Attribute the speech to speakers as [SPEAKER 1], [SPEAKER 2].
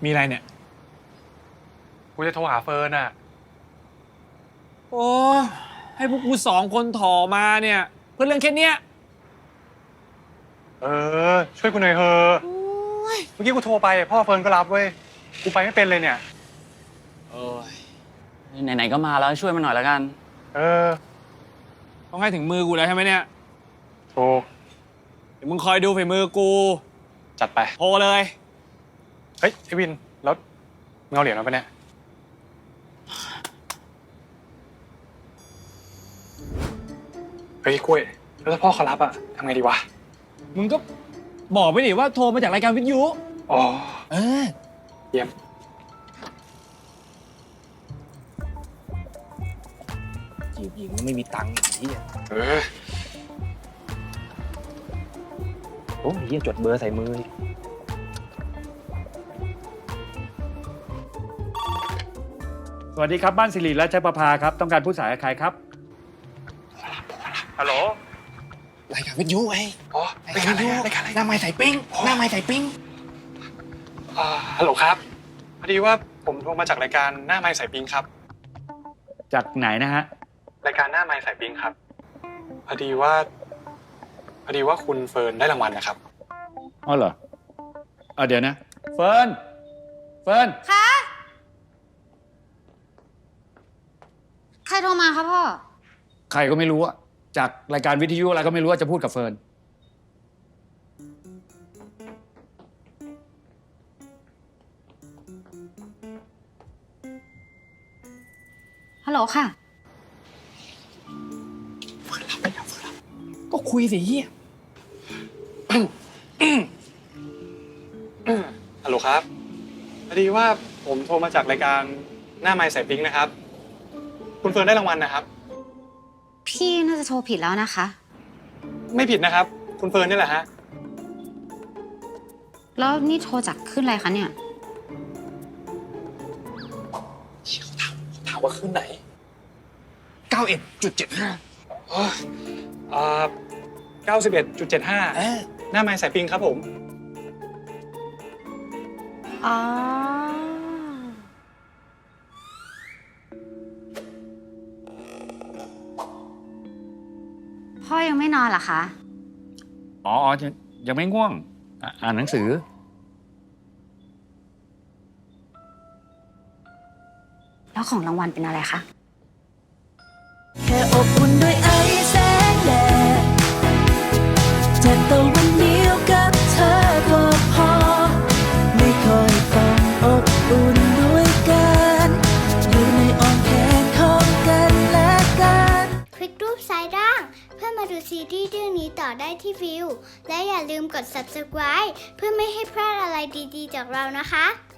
[SPEAKER 1] มีอะไรเนี่ย
[SPEAKER 2] กูจะโทรหาเฟิร์นอ่ะ
[SPEAKER 1] โอ้ให้พวกกู2 คนถอมาเนี่ยเพื่อเรื่องแค่เนี้ย
[SPEAKER 2] ช่วยกูหน่อยเถอะเมื่อกี้กูโทรไปพ่อเฟิร์นก็รับเว้ยกูไปไม่เป็นเลยเนี่ย
[SPEAKER 3] ไหนๆก็มาแล้วช่วยมันหน่อยแล้วกัน
[SPEAKER 1] ต้องให้ถึงมือกูแล้วใช่ไหมเนี่ย
[SPEAKER 2] ถูก
[SPEAKER 1] เดี๋ยวมึงคอยดูฝีมือกู
[SPEAKER 2] จัดไป
[SPEAKER 1] โทรเลย
[SPEAKER 2] เฮ้ยไอ้วินแล้วมึงเอาเหรียญมาปะเนี่ยเฮ้ยกล้วยแล้วถ้าพ่อเขารับอะทำไงดีวะ
[SPEAKER 1] มึงก็บอกไปดิว่าโทรมาจากรายการวิทยุ
[SPEAKER 2] อ๋อเยี่ยม
[SPEAKER 1] จีบหญิงไม่มีตังค์อย่างนี้โอ้ยจดเบอร์ใส่มือ
[SPEAKER 4] สวัสดีครับบ้านสิริและชัยประภาครับต้องการผู้สายใครครับฮัลโหล
[SPEAKER 1] รายการวิทยุไง
[SPEAKER 2] รายการวิทยุ
[SPEAKER 1] หน้าไม้ใส่ปิ้งหน้าไม้ใส่ปิ้ง
[SPEAKER 2] ฮัลโหลครับพอดีว่าผมโทรมาจากรายการหน้าไม้สายปิ้งครับ
[SPEAKER 4] จากไหนนะฮะ
[SPEAKER 2] รายการหน้าไม้สายปิ้งครับพอดีว่าคุณเฟิร์นได้รางวัลนะครับ
[SPEAKER 4] อ๋อเหรอเดี๋ยวนะเฟิร์น
[SPEAKER 5] คะใครโทรมาครับพ่อ
[SPEAKER 4] ใครก็ไม่รู้อะจากรายการวิทยุอะไรก็ไม่รู้ว่าจะพูดกับเฟิร์น
[SPEAKER 5] ฮัลโหลค่ะ
[SPEAKER 1] เฟิร์นรับไปแล้วเฟิร์นรับก็คุยสิเฮีย
[SPEAKER 2] ฮัลโหลครับพอดีว่าผมโทรมาจากรายการหน้าไม้สายปิ้งนะครับคุณเฟิร์นได้รางวัลนะครับ
[SPEAKER 5] พี่น่าจะโทรผิดแล้วนะคะ
[SPEAKER 2] ไม่ผิดนะครับคุณเฟิร์นนี่แหละฮะ
[SPEAKER 5] แล้วนี่โทรจากขึ้นอะไรคะเนี่ย
[SPEAKER 1] ถามว่าขึ้นไหน 91.75
[SPEAKER 2] 91.75หน้าไม้สายปิ้งครับผม
[SPEAKER 5] อ๋อพ่อยังไม่นอนเหรอคะ
[SPEAKER 4] อ๋อยังไม่ง่วงอ่านหนังสือ
[SPEAKER 5] แล้วของรางวัลเป็นอะไรคะ
[SPEAKER 6] แค่อบอุ่นด้วยไอแสงแดดจากตะวันเดียวกับเธอก็พอไม่ค่อยต้องอบอุ่นด้วยกันอยู่ในอ้อมแขนของกันและกัน
[SPEAKER 7] คลิกรูปซ้ายล่างเพื่อมาดูซีรีส์เรื่องนี้ต่อได้ที่วิวและอย่าลืมกด subscribe เพื่อไม่ให้พลาดอะไรดีๆจากเรานะคะ